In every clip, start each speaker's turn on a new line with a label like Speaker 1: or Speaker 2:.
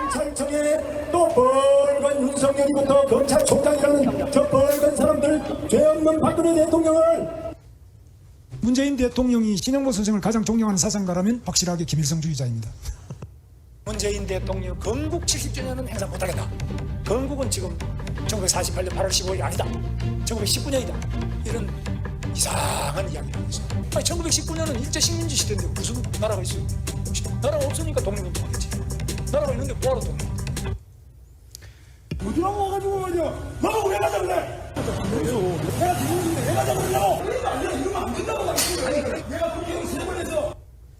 Speaker 1: 검찰청에 또 벌건 윤석열이부터 검찰총장이라는 저 벌건 사람들 죄 없는 박근혜 대통령을
Speaker 2: 문재인 대통령이 신영보 선생을 가장 존경하는 사상가라면 확실하게 김일성주의자입니다.
Speaker 3: 문재인 대통령 건국 70주년은 행사 못하겠다. 건국은 지금 1948년 8월 15일이 아니다. 1919년이다. 이런 이상한 이야기를 하고 있어요. 아니 1919년은 일제 식민지 시대인데 무슨 나라가 있어요? 나라가 없으니까 독립운동하겠지. 나라가 있는데 뭐하러 독립?
Speaker 1: 어디라고 와가지고 말이야. 너가 왜 가자 그래? 내가 지금인데 왜 가자 그러냐고. 이러면 안 된다고 말이야. 내가 국회의원 3번 해서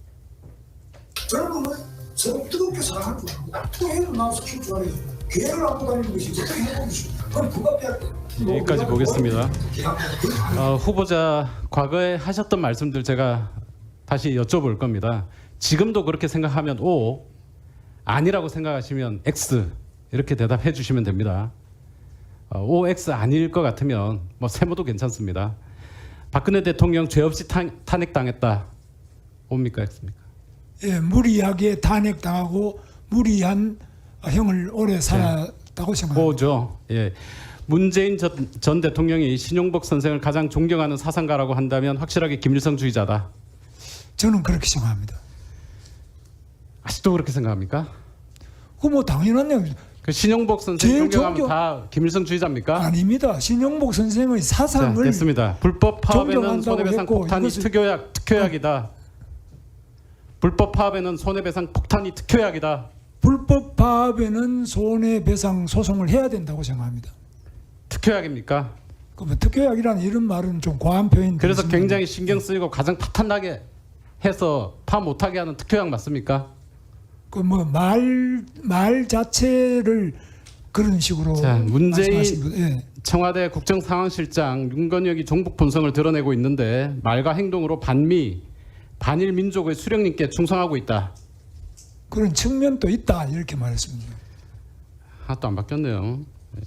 Speaker 1: 저는 서로 뜨겁게 사랑하는 거고 또 해를 나와서 키울 줄 알아요. 개를 안고 다니는 것이 어떻게 해보고 싶어. 그럼 누가 빼야 돼?
Speaker 4: 여기까지 보겠습니다. 후보자 과거에 하셨던 말씀들 제가 다시 여쭤볼 겁니다. 지금도 그렇게 생각하면 O, 아니라고 생각하시면 X 이렇게 대답해 주시면 됩니다. O, X 아닐 것 같으면 뭐 세모도 괜찮습니다. 박근혜 대통령 죄 없이 탄핵당했다. O입니까 X입니까?
Speaker 2: 예, 무리하게 탄핵당하고 무리한 형을 오래 살았다고 생각합니다.
Speaker 4: O죠. 예. 문재인 전 대통령이 신용복 선생을 가장 존경하는 사상가라고 한다면 확실하게 김일성주의자다.
Speaker 2: 저는 그렇게 생각합니다.
Speaker 4: 아직도 그렇게 생각합니까?
Speaker 2: 뭐 당연한 얘기죠.
Speaker 4: 그 신용복 선생
Speaker 2: 제일
Speaker 4: 존경하면 다 김일성주의자입니까?
Speaker 2: 아닙니다. 신용복 선생의
Speaker 4: 자,
Speaker 2: 사상을
Speaker 4: 됐습니다. 불법 파업에는
Speaker 2: 존경한다고
Speaker 4: 손해배상
Speaker 2: 했고
Speaker 4: 폭탄이 특효약이다. 불법 파업에는 손해배상 폭탄이 특효약이다.
Speaker 2: 불법 파업에는 손해배상 소송을 해야 된다고 생각합니다.
Speaker 4: 특효약입니까?
Speaker 2: 그러면 특효약이라는 이런 말은 좀 과한 표현.
Speaker 4: 그래서 굉장히 신경 쓰이고 가장 파탄나게 해서 파 못하게 하는 특효약 맞습니까?
Speaker 2: 그 뭐 말 자체를 그런 식으로
Speaker 4: 자, 문재인
Speaker 2: 말씀하신 분, 예.
Speaker 4: 청와대 국정상황실장 윤건혁이 종북 본성을 드러내고 있는데 말과 행동으로 반미, 반일 민족의 수령님께 충성하고 있다.
Speaker 2: 그런 측면도 있다 이렇게 말했습니다.
Speaker 4: 하나도 안 바뀌었네요.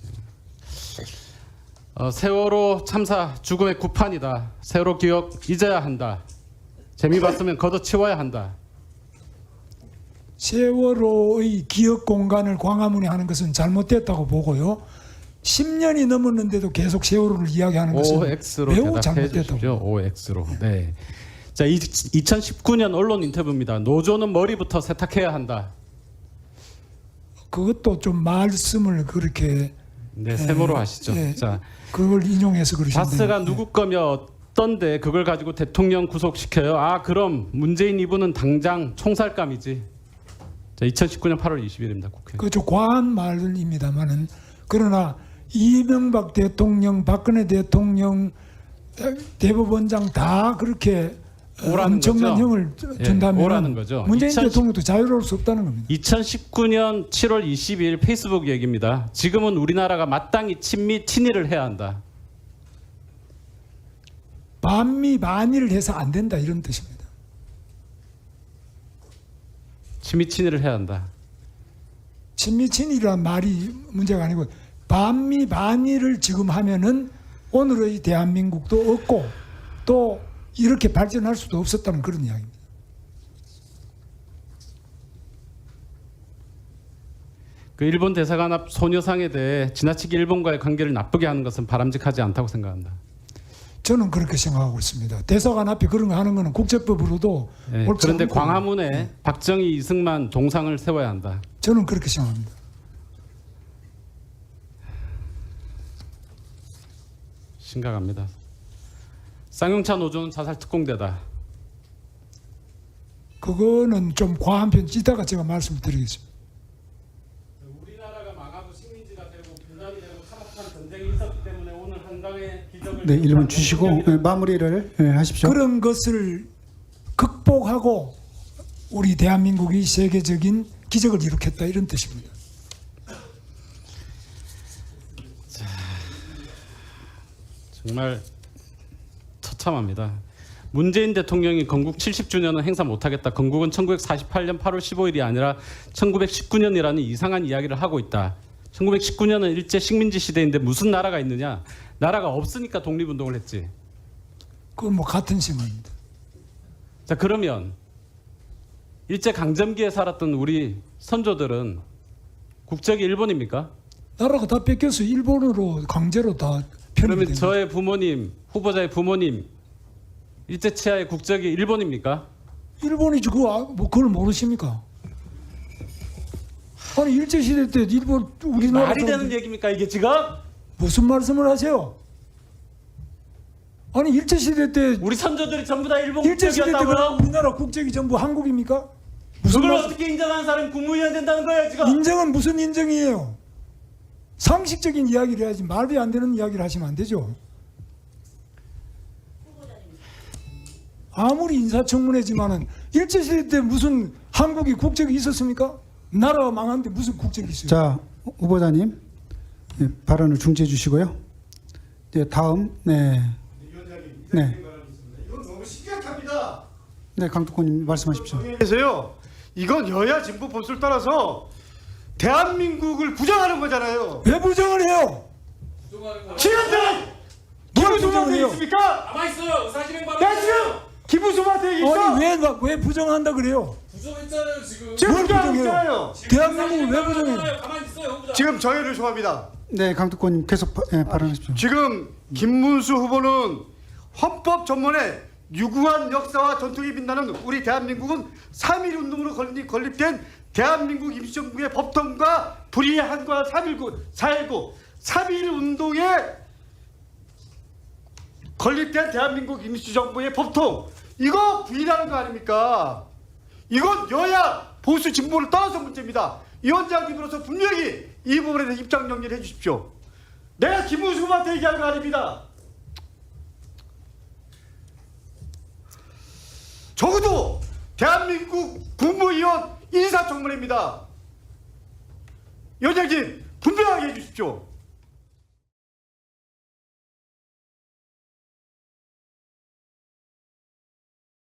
Speaker 4: 세월호 참사 죽음의 구판이다. 세월호 기억 잊어야 한다. 재미 봤으면 걷어치워야 한다.
Speaker 2: 세월호의 기억 공간을 광화문에 하는 것은 잘못됐다고 보고요. 10년이 넘었는데도 계속 세월호를 이야기하는 것은
Speaker 4: OX로
Speaker 2: 매우
Speaker 4: 대답해
Speaker 2: 잘못됐다고.
Speaker 4: 주십시오. OX로. 네. 자, 2019년 언론 인터뷰입니다. 노조는 머리부터 세탁해야 한다.
Speaker 2: 그것도 좀 말씀을 그렇게
Speaker 4: 네, 세모로 하시죠.
Speaker 2: 예,
Speaker 4: 자,
Speaker 2: 그걸 인용해서 그러신데.
Speaker 4: 바스가 누구 거며 어떤데 그걸 가지고 대통령 구속시켜요? 아, 그럼 문재인 이분은 당장 총살감이지. 자, 2019년 8월 20일입니다. 국회.
Speaker 2: 그좀 과한 말입니다만은 그러나 이명박 대통령, 박근혜 대통령, 대법원장 다 그렇게
Speaker 4: 오라는
Speaker 2: 엄청난
Speaker 4: 거죠?
Speaker 2: 형을
Speaker 4: 예,
Speaker 2: 준다면
Speaker 4: 오라는 거죠.
Speaker 2: 문재인
Speaker 4: 2010
Speaker 2: 대통령도 자유로울 수 없다는 겁니다.
Speaker 4: 2019년 7월 20일 페이스북 얘기입니다. 지금은 우리나라가 마땅히 친일을 해야 한다.
Speaker 2: 반미 반일을 해서 안 된다 이런 뜻입니다.
Speaker 4: 친일을 해야 한다.
Speaker 2: 친미친이라는 말이 문제가 아니고 반미 반일을 지금 하면은 오늘의 대한민국도 없고 또 이렇게 발전할 수도 없었다는 그런 이야기입니다.
Speaker 4: 그 일본 대사관 앞 소녀상에 대해 지나치게 일본과의 관계를 나쁘게 하는 것은 바람직하지 않다고 생각한다.
Speaker 2: 저는 그렇게 생각하고 있습니다. 대사관 앞에 그런 거 하는 거는 국제법으로도
Speaker 4: 네,
Speaker 2: 옳지
Speaker 4: 그런데
Speaker 2: 않고,
Speaker 4: 광화문에 박정희, 이승만 동상을 세워야 한다.
Speaker 2: 저는 그렇게 생각합니다.
Speaker 4: 심각합니다. 쌍용차 노조는 자살 특공대다.
Speaker 2: 그거는 좀 과한 편 이따가 제가 말씀드리겠습니다.
Speaker 4: 우리나라가 망하고 식민지가 되고 분단이 되고 참혹한 전쟁이 있었기 때문에 오늘 한강의 기적을
Speaker 5: 네, 1분 주시고 마무리를 하십시오.
Speaker 2: 그런 것을 극복하고 우리 대한민국이 세계적인 기적을 일으켰다 이런 뜻입니다.
Speaker 4: 정말 처참합니다. 문재인 대통령이 건국 70주년은 행사 못하겠다. 건국은 1948년 8월 15일이 아니라 1919년이라는 이상한 이야기를 하고 있다. 1919년은 일제 식민지 시대인데 무슨 나라가 있느냐? 나라가 없으니까 독립운동을 했지.
Speaker 2: 그건 뭐 같은 생각입니다.
Speaker 4: 자, 그러면 일제 강점기에 살았던 우리 선조들은 국적이 일본입니까?
Speaker 2: 나라가 다 뺏겨서 일본으로 강제로 다 편입이
Speaker 4: 그러면
Speaker 2: 된
Speaker 4: 저의 부모님, 후보자의 부모님 일제치하의 국적이 일본입니까?
Speaker 2: 일본이지 그걸 모르십니까? 아니 일제시대 때 일본 우리나라
Speaker 4: 말이 되는
Speaker 2: 사람들
Speaker 4: 얘기입니까 이게 지금?
Speaker 2: 무슨 말씀을 하세요? 아니 일제시대 때
Speaker 4: 우리 선조들이 전부 다 일본
Speaker 2: 일제시대 때 그럼
Speaker 4: 국적이었다고요?
Speaker 2: 우리나라 국적이 전부 한국입니까? 무슨
Speaker 4: 그걸
Speaker 2: 말,
Speaker 4: 어떻게 인정하는 사람이 국무위원 된다는 거예요 지금?
Speaker 2: 인정은 무슨 인정이에요? 상식적인 이야기를 해야지 말이 안 되는 이야기를 하시면 안 되죠. 아무리 인사청문회지만은 일제시대 때 무슨 한국이 국적이 있었습니까? 나라가 망한데 무슨 국적이 있어요?
Speaker 5: 자, 후보자님 네, 발언을 중지해 주시고요. 네, 다음 네,
Speaker 1: 이건 너무 심각합니다.
Speaker 5: 네 강특권님 말씀하십시오.
Speaker 1: 그래서요, 이건 여야 진보 보수를 따라서 대한민국을 부정하는 거잖아요.
Speaker 2: 왜 부정을 해요?
Speaker 1: 지금들 기부수한테
Speaker 2: 부정해요?
Speaker 1: 있습니까?
Speaker 6: 가만 있어요. 사실은 바로
Speaker 1: 야 지금 기부수한테 있어.
Speaker 2: 아니 왜 부정한다 그래요?
Speaker 6: 부정했잖아요 지금.
Speaker 1: 지금
Speaker 2: 뭘
Speaker 1: 부정하고
Speaker 2: 부정해요?
Speaker 1: 있잖아요.
Speaker 2: 대한민국을 왜 부정해요?
Speaker 6: 가만 있어요. 후보자.
Speaker 1: 지금 저희를 좋아합니다.
Speaker 5: 네, 강특권님 계속 발언하십시오.
Speaker 1: 지금 김문수 후보는 헌법 전문에 유구한 역사와 전통이 빛나는 우리 대한민국은 3.1 운동으로 건립된 대한민국 임시정부의 법통과 불이한과 4.19 3.1 운동에 건립된 대한민국 임시정부의 법통, 이거 부인하는 거 아닙니까? 이건 여야 보수 진보를 떠나서 문제입니다. 위원장님으로서 분명히 이 부분에 대해서 입장 정리를 해주십시오. 내가 김문수 후보한테 얘기하는 거 아닙니다. 적어도 대한민국 국무위원 인사청문회입니다. 위원장님 분명하게 해주십시오.